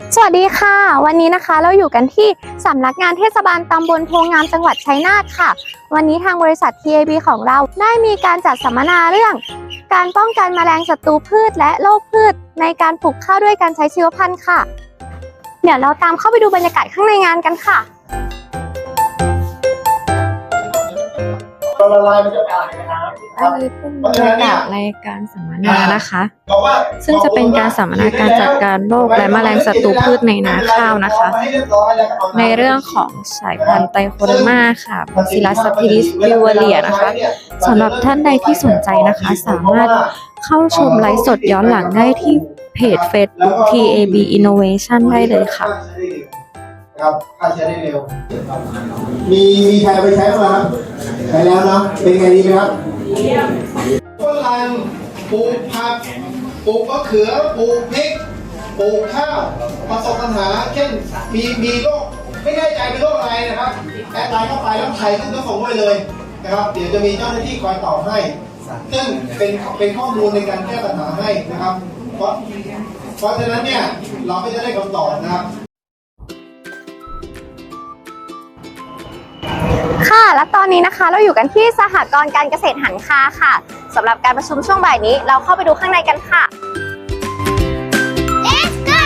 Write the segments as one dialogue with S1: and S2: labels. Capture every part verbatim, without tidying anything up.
S1: สวัสดีค่ะวันนี้นะคะเราอยู่กันที่สำนักงานเทศบาลตำบลโพงามจังหวัดชัยนาทค่ะวันนี้ทางบริษัท ที เอ บี ของเราได้มีการจัดสัมมนาเรื่องการป้องกันแมลงศัตรูพืชและโรคพืชในการปลูกข้าวด้วยการใช้ชีวพันธุ์ค่ะเดี๋ยวเราตามเข้าไปดูบรรยากาศข้างในงานกันค่ะ
S2: ละลายมันจะแตกนะครับ
S3: อันนี้เป็นบรรยากาศในการสัมมนานะคะ ซึ่งจะเป็นการสัมมนาการจัดการโรคและแมลงศัตรูพืชในนาข้าวนะคะ ในเรื่องของสายพันธุ์ไตโคเดอร์มาค่ะบาซิลัสซัพพิลิสบิวเรียนะคะสำหรับท่านใดที่สนใจนะคะ สามารถเข้าชมไลฟ์สดย้อนหลังได้ที่เพจ Facebook ที เอ บี Innovation ได้เลยค่ะ
S2: ครับฆ่าเชื้อได้เร็วมีมีใครเอาไปใช้บ้างครับใช้แล้วเนาะเป็นไงดีไหมครับฝรั่งปลูกผักปลูกมะเขือปลูกพริกปลูกข้าวประสบปัญหาเช่นมีมีโรคไม่แน่ใจเป็นโรคอะไรนะครับแอดไลน์เข้าไปแล้วใครขึ้นก็ส่งไว้เลยนะครับเดี๋ยวจะมีเจ้าหน้าที่คอยตอบให้ซึ่งเป็นเป็นข้อมูลในการแก้ปัญหาให้นะครับเพราะเพราะฉะนั้นเนี่ยเราก็จะได้คำตอบนะครับ
S1: ค่ะและตอนนี้นะคะเราอยู่กันที่สหกรณ์การเกษตรหันคาค่ะสำหรับการประชุมช่วงบ่ายนี้เราเข้าไปดูข้างในกันค่ะ Let's go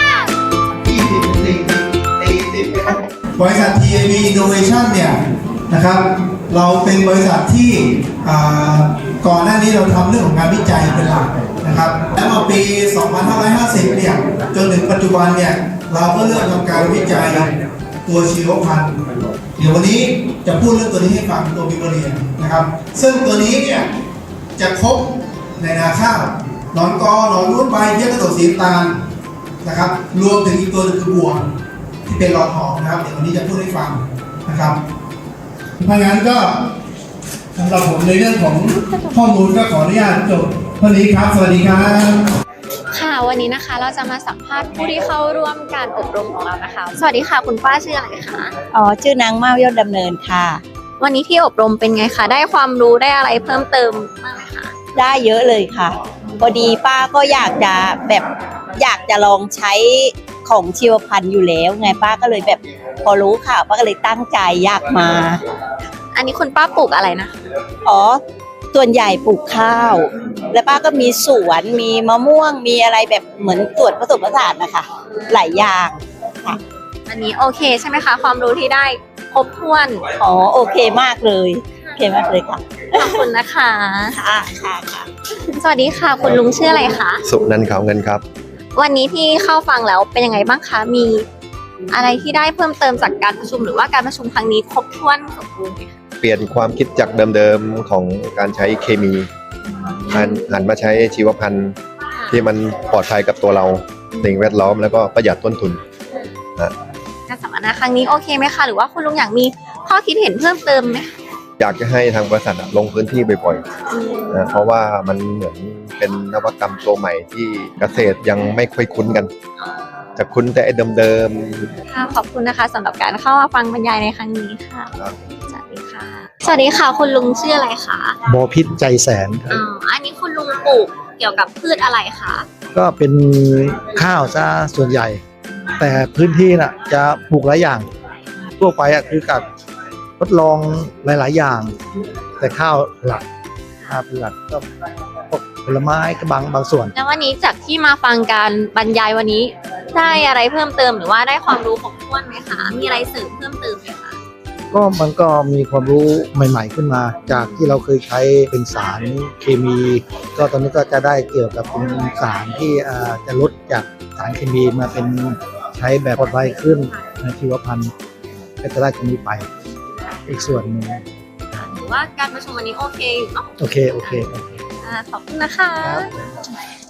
S2: บริษัท ที เอ บี Innovation เนี่ยนะครับเราเป็นบริษัทที่ก่อนหน้านี้เราทำเรื่องของการวิจัยเป็นหลักนะครับแล้วมาปี สองพันห้าร้อยห้าสิบ เนี่ยจนถึงปัจจุบันเนี่ยเราก็เริ่มทำการวิจัยตัวชีวพันธุ์เดี๋ยววันนี้จะพูดเรื่องตัวนี้ให้ฟังตัวบิวเรียนนะครับซึ่งตัวนี้เนี่ยจะครบในนาข้าวหนอนกอหนอนรุ่นใบเพี้ยกระโดดสีตาลนะครับรวมถึงอีกตัวนึงคือบัวที่เป็นหลอดหอมนะครับเดี๋ยววันนี้จะพูดให้ฟังนะครับเพราะงั้นก็สำหรับผมในเรื่องของข้อมูลก็ขออนุญาตจบเท่านี้ครับสวัสดีครับ
S1: ค่ะวันนี้นะคะเราจะมาสัมภาษณ์ผู้ที่เข้าร่วมการอบรมของเรานะคะสวัสดีค่ะคุณป้าชื่ออะไรคะ
S4: อ๋อชื่อนางเมายอดดำเนินค่ะ
S1: วันนี้ที่อบรมเป็นไงคะได้ความรู้ได้อะไรเพิ่มเติมบ้างไหมคะ
S4: ได้เยอะเลยค่ะพอดีป้าก็อยากจะแบบอยากจะลองใช้ของชีวพันธุ์อยู่แล้วไงป้าก็เลยแบบพอรู้ข่าวป้าก็เลยตั้งใจอยากมา
S1: อันนี้คุณป้าปลูกอะไรนะ
S4: อ๋อส่วนใหญ่ปลูกข้าวแล้วป้าก็มีสวนมีมะม่วงมีอะไรแบบเหมือนตรวจผสมผสานนะคะหลายอย่างค่ะ
S1: อันนี้โอเคใช่ไหมคะความรู้ที่ได้ครบถ้วน
S4: อ๋อโอเคมากเลยโอเคมากเลยค่ะ
S1: ขอบคุณนะคะ
S4: ค่ะค่ะค่ะ
S1: สวัสดีค่ะคุณลุงชื่ออะไรคะ
S5: สุนันท์ขาวเงินครับ
S1: วันนี้ที่เข้าฟังแล้วเป็นยังไงบ้างคะมีอะไรที่ได้เพิ่มเติมจากการประชุมหรือว่าการประชุมครั้งนี้ครบถ้วนสมบูรณ์ไหมคะ
S5: เปลี่ยนความคิดจากเดิมๆของการใช้เคมีหันมาใช้ชีวพันธุ์ที่มันปลอดภัยกับตัวเราสิ่งแวดล้อมแล้วก็ประหยัดต้นทุน
S1: การสัมมนาครั้งนี้โอเคไหมคะหรือว่าคุณลุงอยากมีข้อคิดเห็นเพิ่มเติมไหม
S5: อยากจะให้ทางบริษัทลงพื้นที่บ่อยๆนะเพราะว่ามันเหมือนเป็นนวัตกรรมตัวใหม่ที่เกษตรยังไม่ค่อยคุ้นกันจะคุ้นแต่เดิม
S1: ๆค่ะขอบคุณนะคะสำหรับการเข้ามาฟังบรรยายในครั้งนี้ค่ะสวัสดีค่ะสวัสดีค่ะคุณลุงชื่ออะไรคะ
S6: บอพิษใจแสน
S1: อ๋ออันนี้คุณลุงปลูกเกี่ยวกับพืชอะไรคะ
S6: ก็เป็นข้าวซะส่วนใหญ่แต่พื้นที่น่ะจะปลูกหลายอย่างทั่วไปอ่ะคือกับทดลองหลายๆอย่างแต่ข้าวหลักข้าวหลักก็พวกผลไม้กระบังบางส่วน
S1: แล้ววันนี้จากที่มาฟังการบรรยายวันนี้ได้อะไรเพิ่มเติมหรือว่าได้ความรู้ครบถ้วนไหมคะมีอะไรเสริมเพิ่มเติมไหมคะ
S6: ก็มันก็มีความรู้ใหม่ๆขึ้นมาจากที่เราเคยใช้เป็นสารเคมีก็ตอนนี้ก็จะได้เกี่ยวกับเป็นสารที่จะลดจากสารเคมีมาเป็นใช้แบบปลอดภัยขึ้นในชีวพันธุ์ก็จะได้ตรงนี้ไปอีกส่วนหนึ่ง
S1: หรือว่าการประชุมวันนี้โอเคอยู่เนาะ
S6: โอเคโอเค
S1: ขอบคุณนะคะ